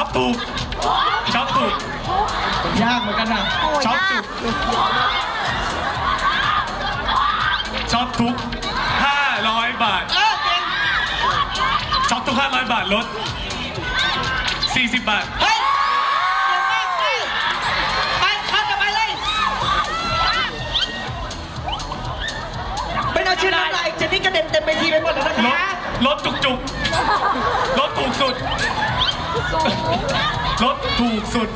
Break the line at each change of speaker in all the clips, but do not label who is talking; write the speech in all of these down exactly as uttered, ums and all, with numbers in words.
ถูกช็อปถูก
ยากเหมือนกันนะ
ช็อปถูกช็อปทุกห้าร้อยบาท
เออเก่ง
ช็อปทุกห้าร้อยบาทลดสี่สิบบาท
เฮ้ยเก่งมากไปไปข้ามกันไปเลยเป็นเอาชื่อน้ำลายเจนนี่กระเด็นเต็มเวทีไปหมดแล้วนะ
ลด
คะ
ลดจุกจุกลดถูกสุดลดถูกสุด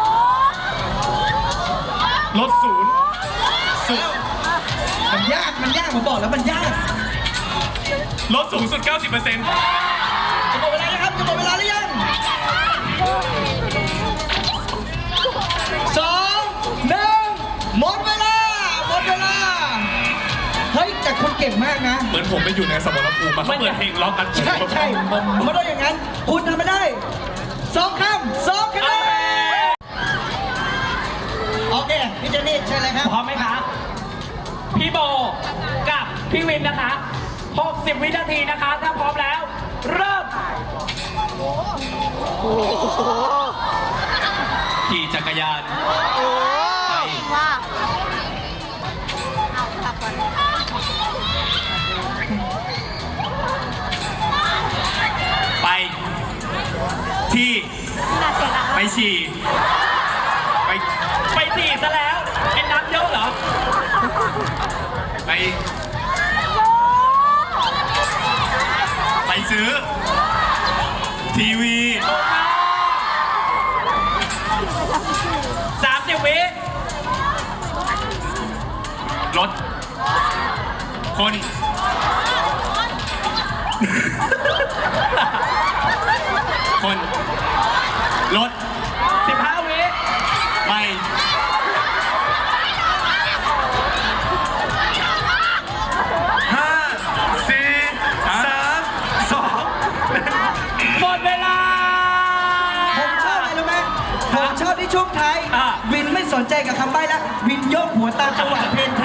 ลดศูนย์สุด
มันยากมันยากผมบอกแล้วมันยาก
ลดสูงสุด เก้าสิบเปอร์เซ็นต์
จะหมดเวลาแล้วครับจะหมดเวลาหรือยังสองหนึ่งหมดเวลาหมดเวลาเฮ้ยแต่คุณเก่งมากนะ
เหมือนผมไปอยู่ในสมรภูมิมาเขาเปิดเพลงล็อกกัน
ใช่ใช่ไม่ได้อย่างนั้น คุณทำไม่ได้สองคำสองคะแนนโอเคพี่เจนนี่เชิญเลยครับ
พร้อมไหมคะ พี่โบกับพี่วินนะคะหกสิบวินาทีนะคะ ถ้าพร้อมแล้ว เริ่ม
ขี่จักรยาน
ว่า
ไป ที่
น่าเสียดาย
ไปฉี่ไป
ไปสี่ซะแล้วกินน้ำเยอะเหรอ
ไป ไปซื้อ ทีวี
สามสิบวิ
รถ คน คน รถ
สิบห้าวิ
ไปห้าสี่สามสอง
หมดเวลา
ผมชอบอะไรรู้ไหมผมชอบที่ช่วงท้าย
อ่ะ
วินไม่สนใจกับคำใบ้แล้ววินโยกหัวตามจังหวะเพลง